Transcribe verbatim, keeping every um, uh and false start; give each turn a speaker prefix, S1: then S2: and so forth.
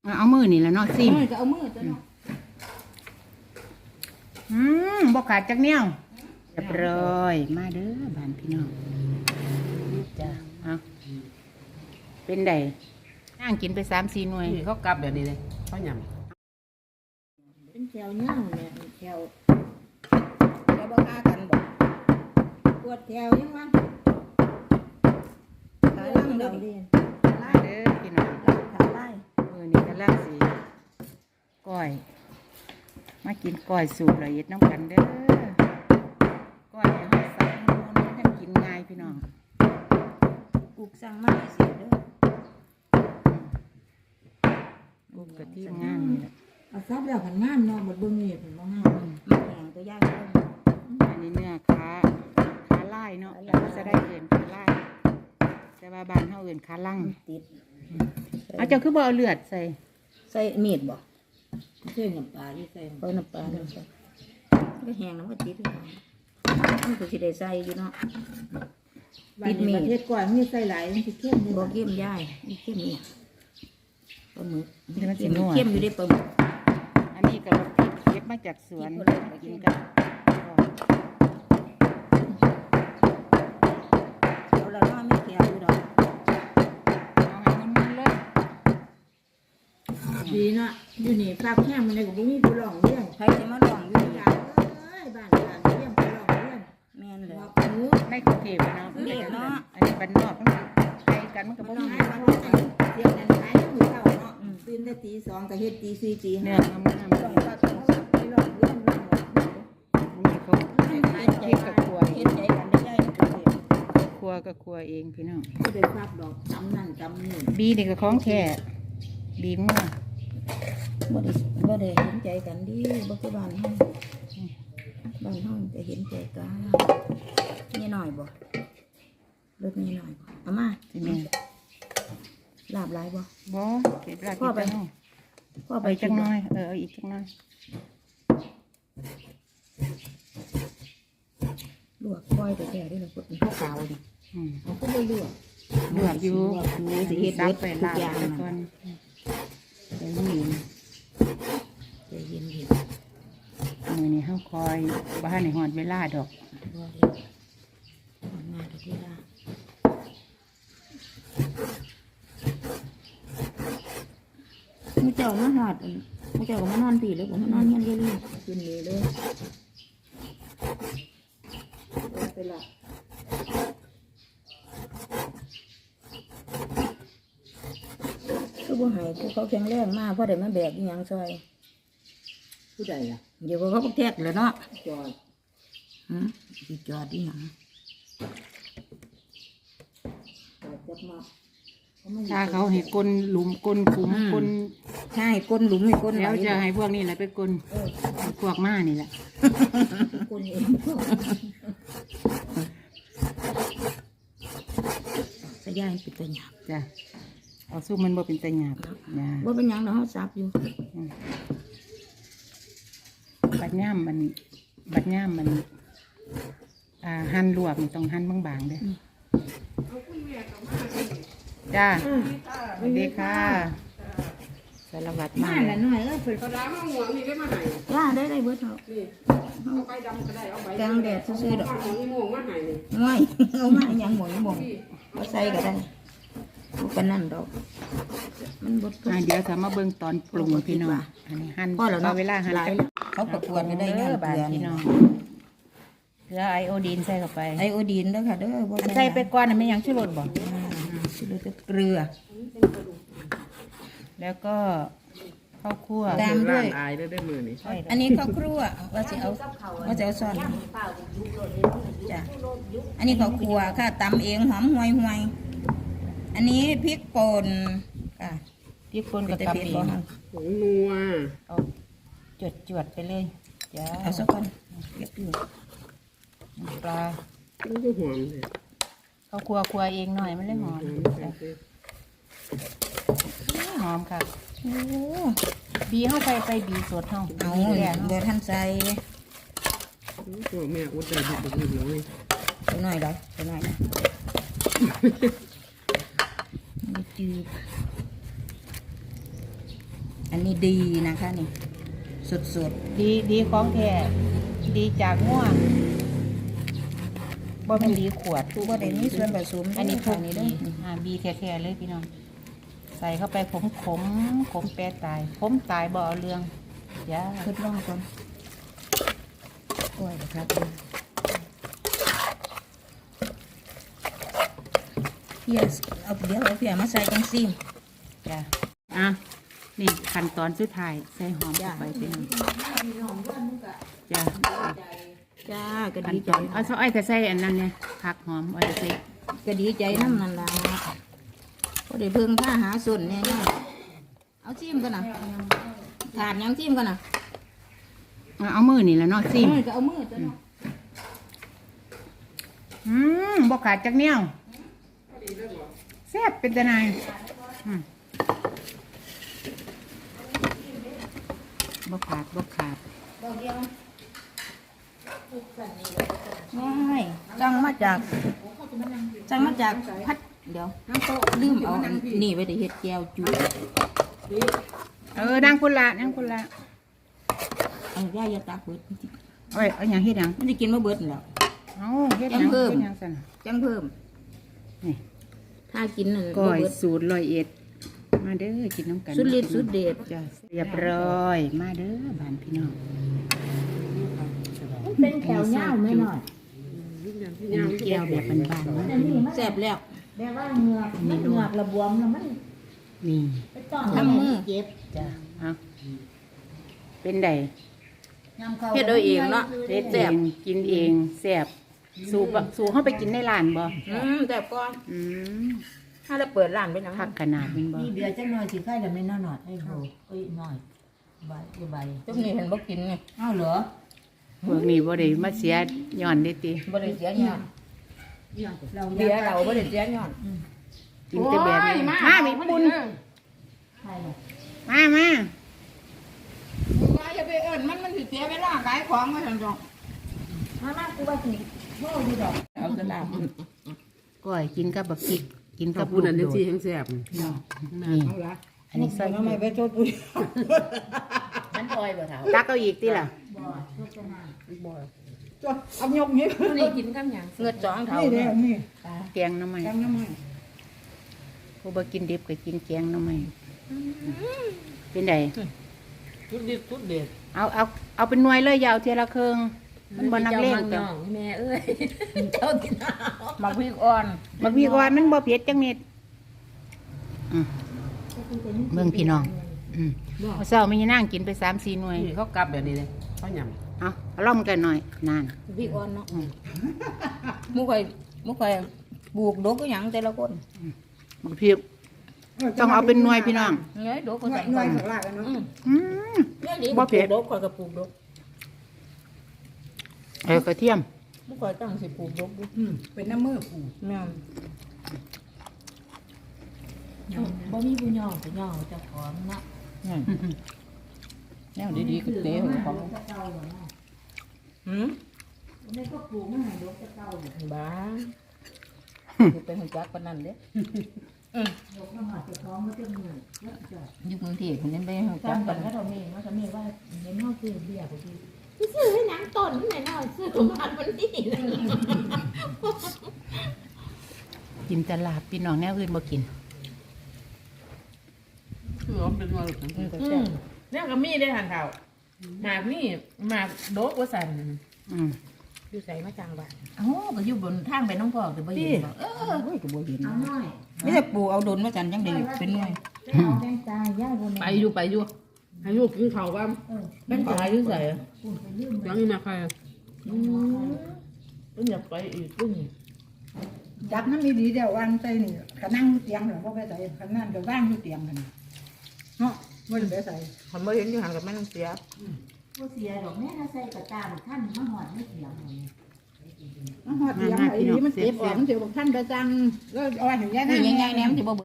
S1: เอามือนี่แหละเนาะซิม
S2: ก็เอามือตัวเนาะ
S1: อืมบกขาดจักเนี้ยวเรียบร้อยมาเด้อบ้านพี่น้องจ้ะเอาเป็นไดนั่งกินไปสามสี่หน่วย
S3: นี่เขากลับแบบนี้เลยเขาหย
S2: เป็นแถวเน่าเนี่ยแถวแถวบ่ฆ่ากันบ่ปวดแถวยังวะขาล่างเด้อดิ
S1: มาเด้อพี่น้อง
S2: ขาไล่
S1: มือนี้กำลังสีก้อย มากินก้อยสูตรละเอียดน้ำกันเด้อก้อยให้ใส่มูนให้กินง่ายพี่น้อง
S2: กูสั่งมาให้เสียเด้อ
S1: กุกกะทิง่ายนี่แหละ
S2: เอาซับแล้วกันงามเนาะบ่เบิ่งนี่เพิ่นบ่งามมันแข็งตัวย่างเด้อ
S1: อันนี้เนื้อขาขาไล่เนาะแล้วก็จะได้เอื่นขาไล่แต่ว่าบ้านเขาเอื่นขาลั่ง
S2: ติด
S1: เอาเจ้าคือบ่เอาเลือดใส่
S2: ใส่มีดบ่ใส่น้ำปลาที่ใส่เปิ้ลน้ำปลาเนาะก็แห้งน้ำก็ติดอยู่มันก็สิได้ใส่อยู่เนาะติดมีด
S4: ประเทศก่อนมีใส่หลายมันสิเข้มเลย
S2: บ่เข้มย่ายนี่เข้มเนี่ยปลาหมึกเข้มอยู่ได้ปลาหมึก
S1: อันนี้ก็พริกเก็บมาจากสวนกินกัน
S2: เอาละน้อยไม่แข็งอยู่ดอก
S1: เอาให้มันๆเลย
S4: ดีเนาะอยู่นี่ภาคแห้งมันเลยก็บ่มีผู้ร้องเรียน
S2: ใครจะมาลองอยู่
S4: อยา
S2: ย่าก
S4: เอ้ยบ้านบ้านเรียนผู้ร้องเรียน
S2: แม่นเลย
S4: บอกหนู
S1: ในกรุงเทพเนาะอันนี้บ้านนอกมันไปกันมันก็
S4: มั
S1: บ่
S4: นต้อง
S1: มี
S4: หาวันนี้เสียงนั้นหายมื้อเช้าเนาะตื่นแต่ตีสองก็เฮ็ดตีสี่ตี
S1: เนื้
S4: ห้า
S1: องามๆ
S4: ต้องว่าต้องไปร้องเรียนร้องหมด
S1: นี่เขาเฮ็ดกับครัว
S2: เฮ็ดใจกันได้ย่าย
S1: ครัวก็ครัวเองพี่น้อง
S4: บ่ได้ภาพดอกจำนั่นจำนี่
S1: บีนี่ก็ของแท้บีงัว
S2: บ่ได้บ่ได้เห็นใจกันดิบ่คือบ้านเฮาบ้านเฮาจะเห็นใจกันนี่หน่อยบ่รถนี่หน่อยบ่เอามา
S1: สิแม่
S2: ลาบหลายบ่
S1: บ่เก็บลากิ
S2: พ่อน ไป
S1: ไปเนาะ
S2: พ่อ
S1: เอา
S2: ไป
S1: ไปจักหน่อยเออเอาอีกจักหน่อย
S2: ลวกก้อยแต่แก่ด้วยล่ะพวกนี้ขาวๆนี่
S1: อืม
S2: เขาก็บ่ลวก
S1: ลวกอยู่
S2: ลวกอยู่สิเฮ็ด
S1: ซั
S2: เบิ
S1: บ
S2: ด
S1: ไป
S2: ทุ
S1: ลาก บ
S2: อย่าง
S1: ไป
S2: น่ะ
S1: ก่อน
S2: ใจเย็นใจเย็น
S1: มื้อนี้เฮาคอยบ่ทันได้ฮอดเวลาดอก
S2: ๆบ่เลยทำงานทุกเวลามูเจ้ามาหอดมูเจ้าก็มานอนปีเลยผมมานอนเงี้ยเรื่อยๆกินเลยเลยไปละก็บ่ใหายผู้เขาแข็งแรงมากเพราะได้มาแบกอีหยังซอย
S4: ผู้ใดล่ะ
S2: เดี๋ยวเขาก็แทกเลยเนาะ
S4: จอย
S2: หืมสิจอดอีหยัง
S4: จอยจับมา
S1: ถ้าเขาให้กลนหลุมกลนขุมกล
S2: ใช่ก้นหลุมให้ก้นไหล
S1: แล้วจะให้พวกนี้แหละไปกลพวกม้านี่แหละ
S4: คนเอง
S2: สยายปิดตาหยาบ
S1: จ้ะเอาสู้มันบ่เป็นตะหยาบนะ
S2: ว่าเป็นหยังเนาะเขาซับอยู่
S1: บัดย่ามมันบัดย่ามมันอ่าหั่นลวกนี่ต้องหั่นบางๆเด้อจ้าสวัสดีค่ะสารวัตรมา
S4: มาละหน่อยเอ้ยเพิ่น
S3: ำกระดาษห้องหัวนี่ได้มาให้
S2: ย่าได้ได้เบิดเนาะ
S3: นี่เอาไปดำก็ได้เอาไป
S2: กลางแดดซื่อๆดอก
S3: ห้องนี่โมงมาให้นี่
S2: ง่อยเอามาหยังหมดหมดเอาใส่ก็ได้บ่ปานนั้นดอกมันบด
S1: อ่าเดี๋ยวจะมาเบิ่งตอนปรุงพี่น้องอันนี้หั่น
S2: พอแล้วเนาะ
S1: เวลาหั่น
S2: หลายแล้วเขาประกวดกันได้ย้อน
S1: บา
S2: เกลือ
S1: พี่
S2: นี่
S1: น้องเกลือไอโอดีนใส่เข้าไป
S2: ไอโอดีนเด้อค่ะเด้อบ่
S1: ใส่ไปก่อนน่ะไม่หยังชูรสบ่
S2: สิเหลือแต่เกลือ
S1: แล้วก็ข้าวคั่ว
S2: ตามด้วย
S3: อายได้ได้มือนี่
S2: อันนี้ข้าวครัวว่าสิเอาว่าจะเอาซอนจ้ะอันนี้ข้าวครัวค่ะตำเองหอมห่วยห่วยอันนี้พริกป่นค่ะ
S1: พริกป่นกับ
S2: แต่
S1: กะ
S2: เผ็ด
S1: ปิ
S2: บ่ค่ะ
S3: ผงนัว
S1: เอาจวดๆไปเลยจ้า
S2: เอาสักก่อนเก็บอยู่
S1: ปลา
S3: มันก็หอมเลย
S1: ข้าวคั่วคั่วเองหน่อยมันเลยหอม
S3: หอม
S1: จ้ะ
S3: เลย
S1: หอมค่ะ
S2: โอ้
S1: บีเข้าไปไปบีสดเฮา
S2: เอา
S1: บีแดง
S2: เดี๋ยวท่านใส่
S3: ตัวแม่อุดได้บุกบุกเลย
S2: ตัวหน่อยได้ตัวหน่อยนะมันจืดอันนี้ดีนะคะนี่สด
S1: ดีดีของแท้ดีจากงัวบ่เป็นดีขวด
S2: ๆบ่ได้มีส่วนผสม
S1: อันนี้
S2: ทุ
S1: ทุ
S2: ก
S1: ก
S2: นี้
S1: ดี
S2: เด้อ
S1: อ่าบีแท้ๆเลยพี่น้องใส่เข้าไปขมขมขมแปรตายขมตายบ่เอาเรื่องย่า
S2: ทดลองก่อนโอ้ยครับเพียเอาเดี๋ยวเอาเพียมาใส่จังซี่
S1: จ้ะอ่ะนี่ขั้นตอนสุดท้ายใส่หอมเข้าไปพี่น้องจ้ะ
S2: จ้าก็
S1: ขั้น
S2: ดี
S1: ต
S2: ใจ
S1: อนเอาซอยก็ใส่อันนั้นเนี่ยผักหอมเอาใส่
S2: ก็ดีใจน้ำนั่นล่ะก็ได้เพิ่งค่าหาส่วนแน่ๆเอาจิ้มกันนะถาดยังจิ้มกันนะ
S1: เอาเอามือนี่แหละเนาะซิม
S2: มือก็เอามือจ้ะเนาะ
S1: อืมบ่ขาดจักแนวแซ่บเป็นตะนายอืมบ่ขาดบ่ขาด
S2: ง่ายจังมาจากจังมาจากพัดเดี๋ยวลืมเอาอันนี่ไว้ได้เฮ็ดแก้วจุ
S1: เออนั่งคนละนั่งคนละ
S2: เอาย่าอย่าตากเบิด
S1: เอ้ยเอาหยังเฮ็ดหยัง
S2: มันจะกินมาเบิดนั่นแหล้ว
S1: เอาเฮ็ดหยัง
S2: ยังเพิ่ม
S1: เฮ็ดหยังซั่นน่ะ
S2: จังเพิ่ม
S1: นี่
S2: ถ้ากินนั่น
S1: ก้อย
S2: บ่เบิด
S1: สูตรร้อยเอ็ดมาเด้อกินน้ำกัน
S2: สุดฤทธิ์สุดเดช
S1: จ้ะเรียบร้อยมาเด้อบ้านพี่น้อง
S4: เป็นแถวเงาไม่หน่อย
S1: อันนี้แก้วแบบบานๆนะ
S2: แซ่บแล้ว
S4: แบบว่าเหงือกมันเหงือกระบวมแล้วมัน
S1: นี่
S4: ไปต้อง
S2: ทำมือ
S4: เจ็บ
S1: จ้ะเอาเป็นได
S2: เฮ็ดเอาเองเนาะ
S1: เฮ็ดเอ
S2: แซ่บ
S1: งกินเองแซ่บสูบสูเข้าไปกินในร้านบ่
S2: อืมแซ่บก่อน
S1: อืม
S2: ถ้าได้เปิดร้านไปนัง
S1: คักขนาดแมันบ่
S4: นี่เดือดจังหน่อยสิไข่แต่ไม่น่าหนอดไอ้โหเอ้ยหน่อยใบใบ
S2: จุ่มนี่เห็นบ่กินไง
S4: เอ้าเหรอ
S1: พวกนี้บ่ได้มาเสียย้อนเด้ติ
S2: บ่ได้เสียย้อน
S4: เรา
S2: เบียร์เราบ่ได้เสียย้อน
S1: กินแต่แบบนี้
S2: โอ้ย
S1: มามีปุ่น
S4: ไข่เลย
S1: มามา
S2: ว่าอย่าไปเอิ้นมันมันสิเสียเวลาขายของว่าซั่นจ้ะ
S4: มามากูว่าสิโม่อยู่ดอก
S2: เอากระดาษ
S1: ก้อยกินกับบักพริกกิน
S3: กั
S1: กั
S3: บบ พูดอันนี้
S1: ลูก
S3: สิ
S1: โดด
S3: แห้งแซ่บ
S1: นี่นี่อันนี้ใส่
S4: ทำไมไปโทษกู
S2: มันปล่อยบ่เท่า
S1: ตักเอาอีกติล่ะ
S4: บ่โทษกันนะ
S3: บ่
S4: จดเอายกนี้
S2: นี่กินกับหยังเงือดสองเท่า
S4: นี่เด้
S2: เนี่ย
S4: อนี่
S1: แกงหน่อไม้
S4: จำยังไง
S1: ผู้บ่กินดิบก็กินแกงหน่อไม้เป็นได
S3: สุดเด็ดสุดเด็ด
S1: เอาเอาเอาเป็นหน่วยเลยอยาวเทียละเครื่องมันบ่นักเลงจ้ะ
S2: แม่เอ้ยเจ้าที่นามักพริกอ่อน
S1: บักพริกอ่อนมันบ่เผ็ดจังเม็ดอืมเบิ่งพี่น้องอืมเอาเช้ามีนางกินไปสามสี่หน่วย
S3: นี่เขากลับแบบนี้เลยเขาหย
S1: เอาเอาล่อมกันหน่อยนาน
S2: พริกอ่อนเนาะมุกไข่มุกไข่ปลูกดอกก็หยังแต่ละคน
S1: บักพริกต้องเอาเป็นหน่วยพี่น้อง
S2: เงยดอกก็
S4: หน่
S2: ใส่
S4: วยหน่วยข้างล่างเนาะ
S1: อืม
S2: เนี่ยดิ
S1: บ่
S2: บ่
S1: เผ็
S2: เผ็
S1: ด
S2: ดดอกข่อยก็ปลูกดอก
S1: เออกระเทียม
S2: มุกข่อยตั้งสิปลูกดอกดู
S4: อืมเป็นน้ำมือปู
S2: แม่น
S4: บ่มีผู้ย่อผู้ย่อเจ้าของเนาะ
S2: แนวดีๆก็เตะของ
S4: เก่าอยู่เนาะ
S2: หืม
S4: นี่ก็ปลูกมาให้ดอกเก่าอยู่
S2: บ้าสิเป็นหุ่นจักปานนั้นเด้
S4: ดอกมาหอดเจ้าของมาเต็มมือเยอะจ้ะ
S2: อยู่กรุงเทพคนนี้ไปหุ่นจัก
S4: จำ
S2: ปา
S4: กัน น
S2: นั้
S4: ก็
S2: น
S4: เรามีว่าจะมีว่าเห็นนอกคือเบียร์พอดี
S2: ซื้อให้หนังต้นหน่อยหน่อยซื้อของมันมันดีเลย
S1: กินแตลาบพี่น้องแนวอื่นบ่กิน
S3: คือว่าเป็นว่าหลุด
S2: อืมเนี่ยก็มีได้หันเท่าหมากนี่หมากโดกว่าสั่น
S1: อืม
S2: อยู่ใส่มาจางบ้านอ๋อก็อยู่บนทางไปน้องพ่อแต่บ่เห็นบ่เออเฮ้ยก็บ่เห็น
S4: เอาหน่อย
S2: ไม่ได้ปลูกเอาดนมาจันจังได๋เป็นหน่วย
S4: เอาแบงตายย่าบน
S3: ไปอยู่ไปอยู่ให้ลูกกินข้าวบ้าง
S2: เป็นตายอยู่ใส่
S4: ปุ่นไปลืม
S3: ยังนี่มาใคร
S2: อืมเพิ่นอยากไปอีกตุ้ง
S4: จับน้ำดีๆเดี๋ยววางใจนี่ก็นั่งเตียงหรอพ่อไปใส่ขนาดก็ว่างอยู่เตียงกันเนาะไม่ได้ไปใส่
S2: คันบ่เห็นอยู่ห่างกับแม่นเสีย
S4: ผู้เสียดอกแม่ถ้าใส่กระตาท่านมาหอดไม่เตียงมาหอดเตียงไอ้นี่มันเจ็บออกมันเจ็บบอกท่านประจังแล้วเอาไว้ถึงแย่
S2: นี่
S4: นั่น
S2: ง่ายๆแหนมสิบ่